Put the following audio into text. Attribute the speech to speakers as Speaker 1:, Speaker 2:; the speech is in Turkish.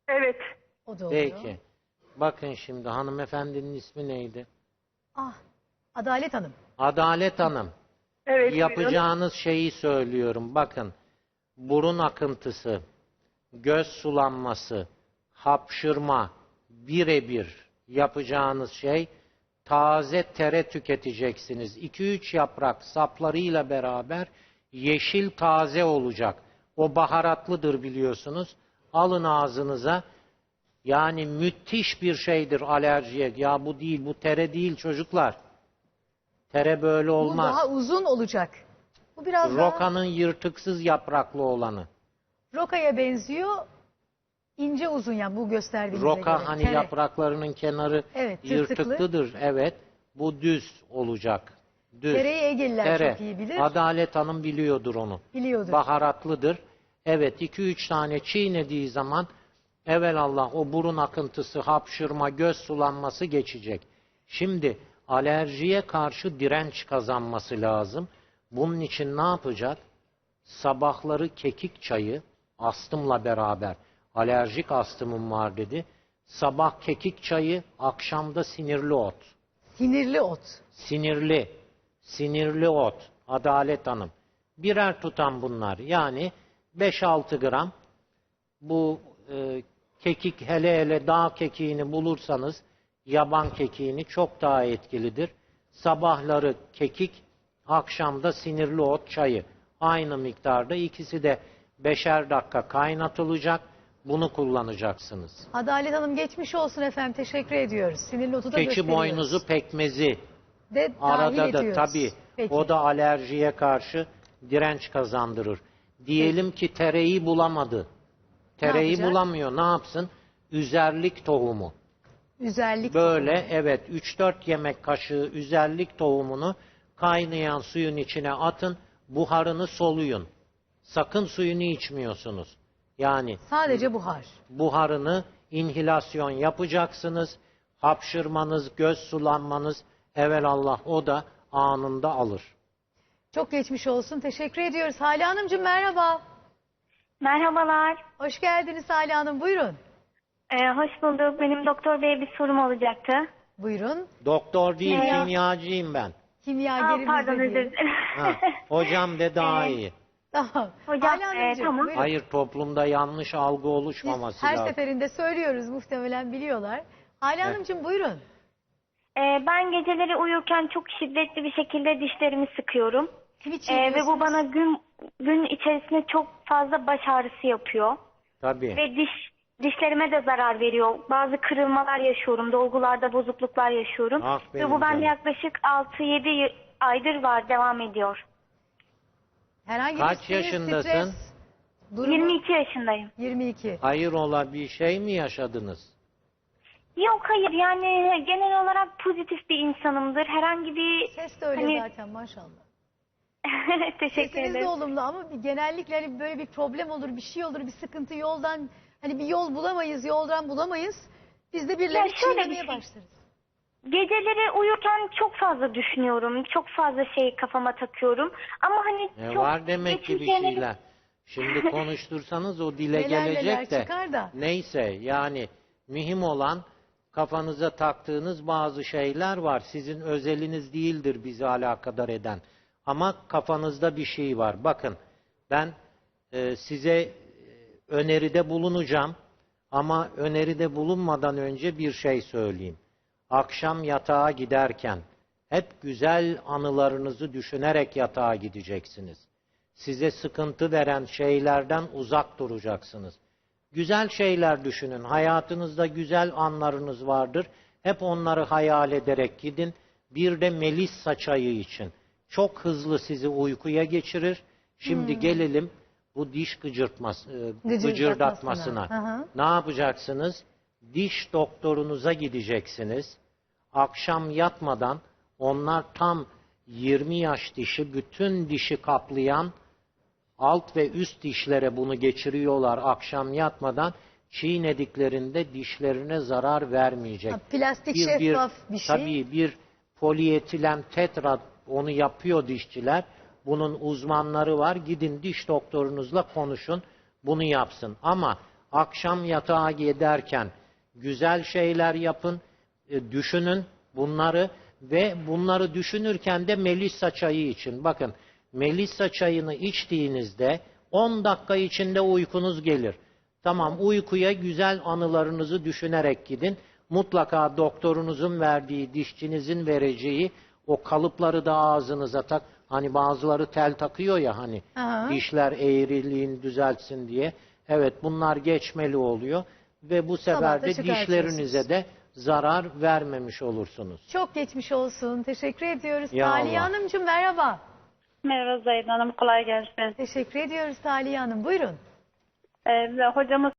Speaker 1: Evet.
Speaker 2: O da oluyor.
Speaker 3: Peki. Bakın şimdi hanımefendinin ismi neydi?
Speaker 2: Ah, Adalet Hanım.
Speaker 3: Adalet Hanım.
Speaker 1: Evet. buyurun.
Speaker 3: Yapacağınız şeyi söylüyorum. Bakın. Burun akıntısı, göz sulanması, hapşırma, birebir yapacağınız şey taze tere tüketeceksiniz. 2-3 yaprak saplarıyla beraber yeşil taze olacak. O baharatlıdır biliyorsunuz. Alın ağzınıza. Yani müthiş bir şeydir alerjiye. Ya bu değil, bu tere değil çocuklar. Tere böyle
Speaker 2: Bu
Speaker 3: olmaz.
Speaker 2: daha uzun olacak. Bu biraz daha
Speaker 3: Rokanın yırtıksız yapraklı olanı.
Speaker 2: rokaya benziyor. İnce uzun yani bu gösterdiğinize göre.
Speaker 3: Roka hani
Speaker 2: Tere.
Speaker 3: yapraklarının kenarı
Speaker 2: Evet, tırtıklı.
Speaker 3: yırtıklıdır. Evet. Bu düz olacak. Düz.
Speaker 2: Tereyi Egeliler
Speaker 3: Tere.
Speaker 2: çok iyi bilir.
Speaker 3: Adalet Hanım biliyordur onu.
Speaker 2: Biliyordur.
Speaker 3: Baharatlıdır. Evet, 2-3 tane çiğnediği zaman evelallah o burun akıntısı, hapşırma, göz sulanması geçecek. Şimdi alerjiye karşı direnç kazanması lazım. Bunun için ne yapacak? Sabahları kekik çayı, astımla beraber, alerjik astımım var dedi. Sabah kekik çayı, akşamda sinirli ot.
Speaker 2: Sinirli ot.
Speaker 3: Sinirli ot. Adalet Hanım. Birer tutam bunlar. Yani 5-6 gram bu kekik, hele hele dağ kekiğini bulursanız yaban kekiğini çok daha etkilidir. Sabahları kekik, akşamda sinirli ot çayı. Aynı miktarda, ikisi de 5'er dakika kaynatılacak. Bunu kullanacaksınız.
Speaker 2: Adalet Hanım geçmiş olsun efendim. Teşekkür ediyoruz. Sinirli otu da
Speaker 3: Keçi
Speaker 2: gösteriyoruz.
Speaker 3: boynuzu pekmezi.
Speaker 2: De dahil
Speaker 3: Arada da
Speaker 2: ediyoruz.
Speaker 3: tabii
Speaker 2: Peki.
Speaker 3: o da alerjiye karşı direnç kazandırır. Diyelim ki tereyi bulamadı. Tereyi
Speaker 2: yapacak?
Speaker 3: bulamıyor. Ne yapsın? Üzerlik tohumu.
Speaker 2: Üzerlik.
Speaker 3: Böyle evet 3-4 yemek kaşığı üzerlik tohumunu kaynayan suyun içine atın. Buharını soluyun. Sakın suyunu içmiyorsunuz. Yani
Speaker 2: Sadece buhar.
Speaker 3: buharını inhilasyon yapacaksınız. Hapşırmanız, göz sulanmanız evelallah o da anında alır.
Speaker 2: Çok geçmiş olsun. Teşekkür ediyoruz. Hale Hanımcığım merhaba.
Speaker 4: Merhabalar.
Speaker 2: Hoş geldiniz Hale Hanım. Buyurun.
Speaker 4: Hoş bulduk. Benim doktor beye bir sorum olacaktı.
Speaker 2: Buyurun.
Speaker 3: Doktor değil,
Speaker 4: Merhaba.
Speaker 3: kimyacıyım ben.
Speaker 2: Kimyagerimiz
Speaker 4: Pardon
Speaker 2: de
Speaker 4: özür
Speaker 2: diyelim.
Speaker 4: dilerim.
Speaker 3: Ha, hocam de daha iyi.
Speaker 2: Tamam.
Speaker 4: Hocam,
Speaker 2: Hale Hanımcığım
Speaker 4: tamam.
Speaker 2: buyurun.
Speaker 3: Hayır, toplumda yanlış algı
Speaker 2: Biz
Speaker 3: oluşmaması
Speaker 2: her
Speaker 3: lazım.
Speaker 2: seferinde söylüyoruz. Muhtemelen biliyorlar. Hale Hanımcığım buyurun.
Speaker 4: Ben geceleri uyurken çok şiddetli bir şekilde dişlerimi sıkıyorum.
Speaker 2: Kimi
Speaker 4: Ve bu
Speaker 2: çiğniyorsunuz?
Speaker 4: bana gün içerisinde çok fazla baş ağrısı yapıyor.
Speaker 3: Tabii.
Speaker 4: Ve dişlerime de zarar veriyor. Bazı kırılmalar yaşıyorum. Dolgularda bozukluklar yaşıyorum.
Speaker 3: Ah
Speaker 4: Ve
Speaker 3: benim
Speaker 4: bu bende
Speaker 3: canım.
Speaker 4: yaklaşık 6-7 aydır var. Devam ediyor.
Speaker 2: Herhangi
Speaker 3: Kaç
Speaker 2: bir sinir,
Speaker 3: yaşındasın?
Speaker 2: stres durumu?
Speaker 4: 22 yaşındayım.
Speaker 2: 22.
Speaker 3: Hayrola bir şey mi yaşadınız?
Speaker 4: Yok hayır yani genel olarak pozitif bir insanımdır. Herhangi bir
Speaker 2: Ses de öyle
Speaker 4: hani-
Speaker 2: zaten maşallah.
Speaker 4: teşekkür
Speaker 2: Sesiniz de
Speaker 4: ederim.
Speaker 2: olumlu ama genellikle hani böyle bir problem olur, bir şey olur, bir sıkıntı yoldan hani bir yol bulamayız, yoldan bulamayız. Biz de birilerini
Speaker 4: Ya şöyle bir
Speaker 2: çiğnemeye
Speaker 4: şey.
Speaker 2: başlarız.
Speaker 4: Geceleri uyurken çok fazla düşünüyorum. Çok fazla şey kafama takıyorum. Ama hani çok
Speaker 3: Var demek ki bir
Speaker 4: geçmiş şeyleri-
Speaker 3: şeyler. Şimdi konuştursanız o dile
Speaker 2: Neler neler
Speaker 3: gelecek de.
Speaker 2: çıkar da.
Speaker 3: Neyse yani mühim olan kafanıza taktığınız bazı şeyler var. Sizin özeliniz değildir bizi alakadar eden. Ama kafanızda bir şey var. Bakın ben size öneride bulunacağım. Ama öneride bulunmadan önce bir şey söyleyeyim. Akşam yatağa giderken hep güzel anılarınızı düşünerek yatağa gideceksiniz. Size sıkıntı veren şeylerden uzak duracaksınız. Güzel şeyler düşünün. Hayatınızda güzel anlarınız vardır. Hep onları hayal ederek gidin. Bir de melissa çayı için. Çok hızlı sizi uykuya geçirir. Şimdi gelelim bu diş gıcırdatmasına.
Speaker 2: Hı hı.
Speaker 3: Ne yapacaksınız? Diş doktorunuza gideceksiniz. Akşam yatmadan onlar tam 20 yaş dişi, bütün dişi kaplayan alt ve üst dişlere bunu geçiriyorlar akşam yatmadan. Çiğnediklerinde dişlerine zarar vermeyecek.
Speaker 2: Ha, plastik şeffaf bir şey.
Speaker 3: Tabii bir polietilen tetra onu yapıyor dişçiler. Bunun uzmanları var. Gidin diş doktorunuzla konuşun. Bunu yapsın. Ama akşam yatağa giderken güzel şeyler yapın, düşünün bunları ve bunları düşünürken de Melissa çayı için. Bakın, Melissa çayını içtiğinizde 10 dakika içinde uykunuz gelir. Tamam, uykuya güzel anılarınızı düşünerek gidin. Mutlaka doktorunuzun verdiği, dişçinizin vereceği o kalıpları da ağzınıza tak. Hani bazıları tel takıyor ya hani
Speaker 2: Aha.
Speaker 3: dişler eğriliğini düzeltsin diye. Evet, bunlar geçmeli oluyor ve bu sefer
Speaker 2: Sabah da
Speaker 3: de
Speaker 2: çıkartıyorsunuz.
Speaker 3: dişlerinize de zarar vermemiş olursunuz.
Speaker 2: Çok geçmiş olsun. Teşekkür ediyoruz.
Speaker 3: Ya
Speaker 2: Taliye
Speaker 3: Allah.
Speaker 2: Hanımcığım merhaba.
Speaker 1: Merhaba Zahide Hanım, kolay gelsin.
Speaker 2: Teşekkür ediyoruz Taliye Hanım. Buyurun.
Speaker 1: Hocamız